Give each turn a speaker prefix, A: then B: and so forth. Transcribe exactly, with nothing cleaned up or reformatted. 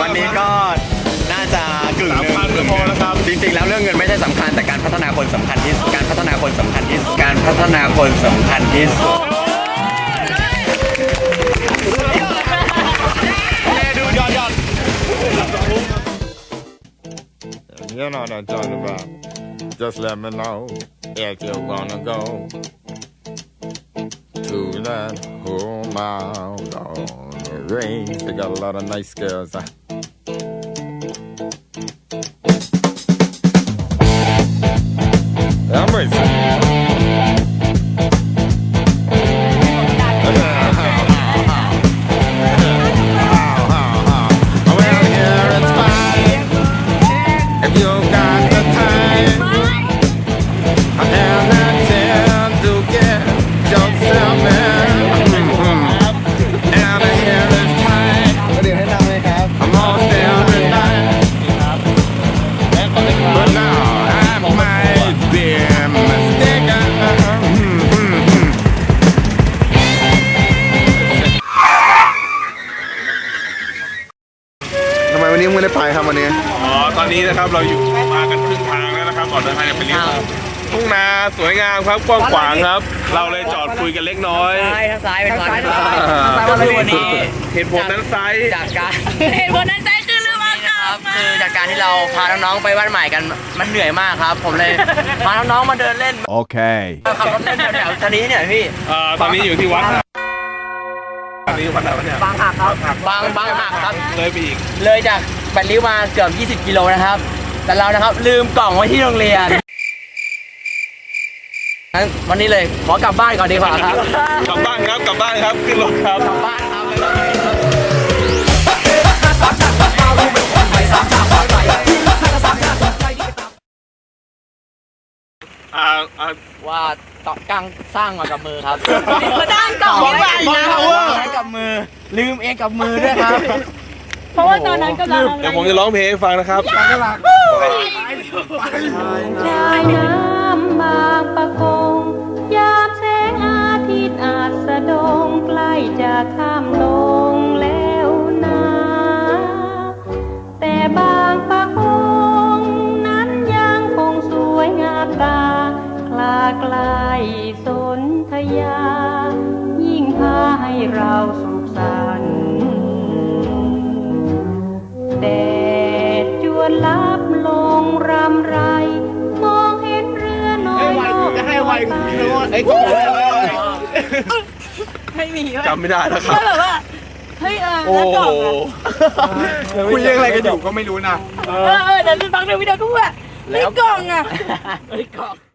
A: วันนี้ก็น่าจะกึ่งหนึ่ง
B: สามพันก็พอแล้วครับ
A: จริงๆแล้วเรื่องเงินไม่ใช่สำคัญแต่การพัฒนาคนสำคัญที่สุดการพัฒนาคนสำคัญที่สุดการพัฒนาคนสำคัญที่สุด
B: You know what I'm talking about. Just let me know if you wanna go to that whole mile on the range. They got a lot of nice girls. Huh? I'm racing. But now I might be mistaken.
C: ทำไมวันนี้มึงไม่ได้ไปครับวันนี้
B: อ๋อ ตอนนี้นะครับเราอยู่มากันครึ่งทางแล้วนะครับก่อนเดินทางจะไปเลี้ยวทุ่งนาสวยงามครับกว้างขวางครับ เราเลยจอดคุยกันเล็กน้อย
A: ซ้ายทางซ้ายเป็นวัด
B: ก็คือวันนี้เหตุผลนั้นไซส์
A: จากการ
D: เหตุผลนั้นใจคือเรื่องว่า
A: ครับคือจากการที่เราพาน้องๆไปบ้านใหม่กันมันเหนื่อยมากครับ ผมเลยพาน้องๆมาเดินเล่น
C: โอเค
A: ขับรถเล่นแถวๆทางนี้เนี่ยพี่
B: เอ่อตอนนี้อยู่ที่วัดนะตอนนี้วัดไหนวะเนี่ย
A: บางหักครับบางบางหักครับ
B: เลยไปอีก
A: เลยจากแปดริ้วมาเกือบยี่สิบกิโลนะครับ แต่เรานะครับลืมกล่องไว้ที่โรงเรียนงั้นวันนี้เลยขอกลับบ้านก่อนดีกว่าครับ
B: กลับบ้านครับกลับบ้านครับขึ้นรถครับ
A: กลับบ้านครับ
B: อ่าอ่า
A: ว่าต่อกังสร้างมากับมือครับ
D: สร้างกล่องไม่ไหวนะ
A: ใช้กับมือลืมเองกับมือด้วยครับ
D: เพราะว่าตอนนั้นกำลัง
B: เดี๋ยวผมจะร้องเพลงให้ฟังนะครับ
D: ชายน้ำบางปะกงยามแสงอาทิตย์อาจสะดงใกล้จะข้ามลงแล้วนะแต่บางปะกงนั้นยังคงสวยงามตาคลาไกลสนธยายิ่งพาให้เราสุขสันต์แดดจวนลับลงรำไรมองเห็นเรือน้อยลอยจะให้ไวไอ้กไม่มี
B: จำไม่ได้แล้วครับ
D: ก็แบบว่าเฮ้ยเออ
B: โอ้
D: แล้วกล่อง
B: โห
D: อะ
C: คุยเรื่องอะไรกันอยู่ก็ไม่รู้นะ
D: เออเออเดี๋ยวฟังในวิดีโอก็ว่าไอ้กล่องอะ
A: ไอ้กล่อง